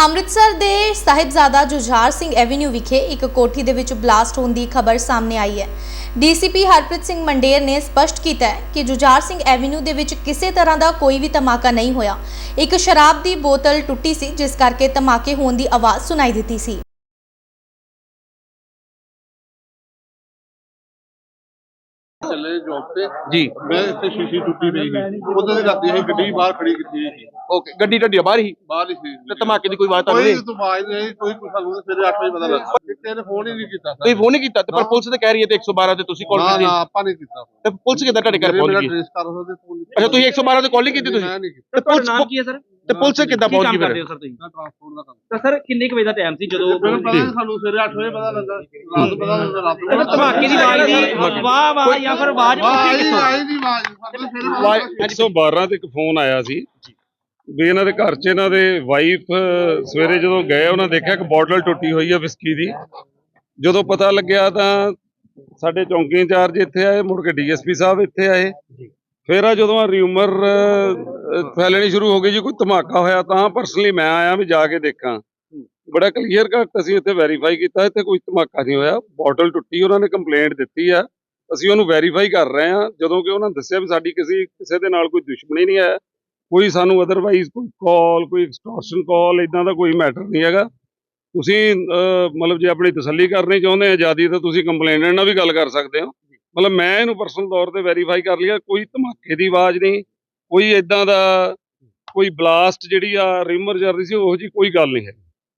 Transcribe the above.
ਅੰਮ੍ਰਿਤਸਰ ਦੇ ਸਾਹਿਬਜ਼ਾਦਾ ਜੁਝਾਰ ਸਿੰਘ ਐਵੇਨਿਊ ਵਿਖੇ ਇੱਕ ਕੋਠੀ ਦੇ ਵਿੱਚ ਬਲਾਸਟ ਹੋਣ ਦੀ ਖਬਰ ਸਾਹਮਣੇ ਆਈ ਹੈ। ਡੀਸੀਪੀ ਹਰਪ੍ਰੀਤ ਸਿੰਘ ਮੰਡੇਰ ਨੇ ਸਪਸ਼ਟ ਕੀਤਾ ਹੈ ਕਿ ਜੁਝਾਰ ਸਿੰਘ ਐਵੇਨਿਊ ਦੇ ਵਿੱਚ ਕਿਸੇ ਤਰ੍ਹਾਂ ਦਾ ਕੋਈ ਵੀ ਧਮਾਕਾ ਨਹੀਂ ਹੋਇਆ। ਇੱਕ ਸ਼ਰਾਬ ਦੀ ਬੋਤਲ ਟੁੱਟੀ ਸੀ ਜਿਸ ਕਰਕੇ ਧਮਾਕੇ ਹੋਣ ਦੀ ਆਵਾਜ਼ ਸੁਣਾਈ ਦਿੱਤੀ ਸੀ। चले जॉब पे जी मैं इतने शीशी टूटी नहीं थी उधर से जाती है गड्डी बाहर खड़ी की थी ओके गड्डी ढड्डी बाहर ही बाहर ही थी ते धमाके दी कोई बात कोई नहीं तो आवाज नहीं कोई कुछ ਸਾਨੂੰ ਸਵੇਰੇ 8 ਵਜੇ ਪਤਾ ਲੱਗਾ ਕਿਤੇ ਫੋਨ ਹੀ ਨਹੀਂ ਕੀਤਾ कोई फोन नहीं कीता ते पर पुलिस ते कह रही है ते 112 ते तुसी कॉल ਨਾ कीती ਨਾ ਆਪਾਂ ਨਹੀਂ ਕੀਤਾ ते पुलिस किदा ਤੁਹਾਡੇ ਘਰ पहुंच ਮੇਰਾ गई ट्रेस कर ਸਕਦੇ ਫੋਨ अच्छा तुसी 112 ते कॉल नहीं कीती तुसी ਮੈਂ ਨਹੀਂ ਕੀਤਾ ते पुलिस ਨਾਮ ਕੀ ਹੈ ਸਰ ते पुलिस किदा पहुंच गई फिर ਸਰ ਤੁਸੀਂ ਟ੍ਰਾਂਸਪੋਰਟ ਦਾ ਕੰਮ ਤਾਂ ਸਰ ਕਿੰਨੇ ਕੁ ਵਜੇ ਦਾ ਟਾਈਮ ਸੀ ਜਦੋਂ ਮੈਨੂੰ ਪਤਾ ਨਹੀਂ ਸਾਨੂੰ ਸਵੇਰੇ 8 ਵਜੇ ਪਤਾ ਲੱਗਾ ਰਾਤ ਪਤਾ ਲੱਗਾ ਰਾਤ ਨੂੰ ਧਮਾਕੇ ਦੀ ਆਵਾਜ਼ ਦੀ ਵਾਹ ਵਾਹ ਜਾਂ ਫਿਰ ਆਵਾਜ਼ ਉੱਠੀ ਕਿੱਥੋਂ ਆਈ ਦੀ ਆਵਾਜ਼ ਸਾਨੂੰ ਸਵੇਰੇ 112 ਤੇ ਇੱਕ ਫੋਨ ਆਇਆ ਸੀ ਵੀ ਇਹਨਾਂ ਦੇ ਘਰ 'ਚ ਇਹਨਾਂ ਦੇ ਵਾਈਫ ਸਵੇਰੇ ਜਦੋਂ ਗਏ ਉਹਨਾਂ ਦੇਖਿਆ ਕਿ ਬੋਟਲ ਟੁੱਟੀ ਹੋਈ ਹੈ ਵਿਸਕੀ ਦੀ। ਜਦੋਂ ਪਤਾ ਲੱਗਿਆ ਤਾਂ ਸਾਡੇ ਚੌਂਕੀ ਇੰਚਾਰਜ ਇੱਥੇ ਆਏ, ਮੁੜ ਕੇ ਡੀਐਸਪੀ ਸਾਹਿਬ ਇੱਥੇ ਆਏ। ਫਿਰ ਆ ਜਦੋਂ ਰਿਊਮਰ ਫੈਲਣੀ ਸ਼ੁਰੂ ਹੋ ਗਈ ਜੀ ਕੋਈ ਧਮਾਕਾ ਹੋਇਆ ਤਾਂ ਪਰਸਨਲੀ ਮੈਂ ਆਇਆ ਵੀ ਜਾ ਕੇ ਦੇਖਾਂ। ਬੜਾ ਕਲੀਅਰ ਕੱਟ ਅਸੀਂ ਇੱਥੇ ਵੈਰੀਫਾਈ ਕੀਤਾ, ਇੱਥੇ ਕੋਈ ਧਮਾਕਾ ਨਹੀਂ ਹੋਇਆ। ਬੋਟਲ ਟੁੱਟੀ, ਉਹਨਾਂ ਨੇ ਕੰਪਲੇਂਟ ਦਿੱਤੀ ਆ, ਅਸੀਂ ਉਹਨੂੰ ਵੈਰੀਫਾਈ ਕਰ ਰਹੇ ਹਾਂ। ਜਦੋਂ ਕਿ ਉਹਨਾਂ ਦੱਸਿਆ ਵੀ ਸਾਡੀ ਕਿਸੇ ਦੇ ਨਾਲ ਕੋਈ ਦੁਸ਼ਮਣੀ ਨਹੀਂ ਹੈ, ਕੋਈ ਸਾਨੂੰ ਅਦਰਵਾਈਜ਼ ਕੋਈ ਕਾਲ, ਕੋਈ ਐਕਸਟੋਰਸ਼ਨ ਕਾਲ ਇਦਾਂ ਦਾ ਕੋਈ ਮੈਟਰ ਨਹੀਂ ਹੈਗਾ। ਤੁਸੀਂ ਮਤਲਬ ਜੇ ਆਪਣੀ ਤਸੱਲੀ ਕਰਨੀ ਚਾਹੁੰਦੇ ਆ ਆਜ਼ਾਦੀ ਤਾਂ ਤੁਸੀਂ ਕੰਪਲੇਨੈਂਟ ਨਾਲ ਵੀ ਗੱਲ ਕਰ ਸਕਦੇ ਹੋ। ਮਤਲਬ ਮੈਂ ਇਹਨੂੰ ਪਰਸਨਲ ਤੌਰ ਤੇ ਵੈਰੀਫਾਈ ਕਰ ਲਿਆ, ਕੋਈ ਧਮਾਕੇ ਦੀ ਆਵਾਜ਼ ਨਹੀਂ, ਕੋਈ ਇਦਾਂ ਦਾ ਕੋਈ ਬਲਾਸਟ ਜਿਹੜੀ ਆ ਰਿਮਰ ਚੱਲ ਰਹੀ ਸੀ ਉਹੋ ਜਿਹੀ ਕੋਈ ਗੱਲ ਨਹੀਂ ਹੈ।